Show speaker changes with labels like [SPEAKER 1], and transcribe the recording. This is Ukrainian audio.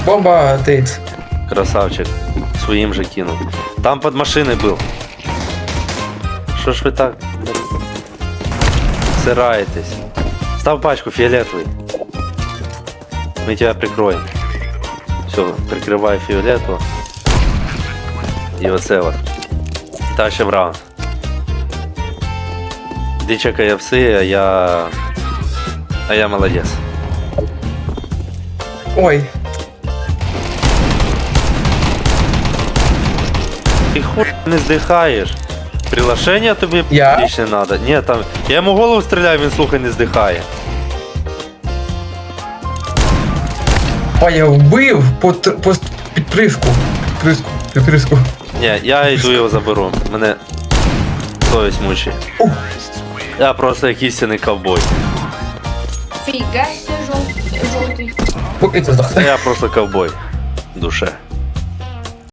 [SPEAKER 1] Бомба тейт.
[SPEAKER 2] Красавчик. Своїм же кинув. Там під машиною був. Що ж ви так сираєтесь? Став пачку фіолетовий. Мы тебя прикроем. Все, прикрывай фиолетово. І оце от. Тащим раунд. Іди чекай овси, а я молодець.
[SPEAKER 1] Ой.
[SPEAKER 2] Ти хуй не здихаєш. Приглашення тобі
[SPEAKER 1] Я?
[SPEAKER 2] більше не треба. Ні, там. Я йому в голову стріляю, він слухай не здихає.
[SPEAKER 1] Ой, я вбив по підприску. Підприску.
[SPEAKER 2] Ні, я йду його заберу. Мене совість мучить. Я просто як істинний ковбой.
[SPEAKER 3] Фига себе желтый.
[SPEAKER 1] Поки це здохне.
[SPEAKER 2] Я просто ковбой в душе.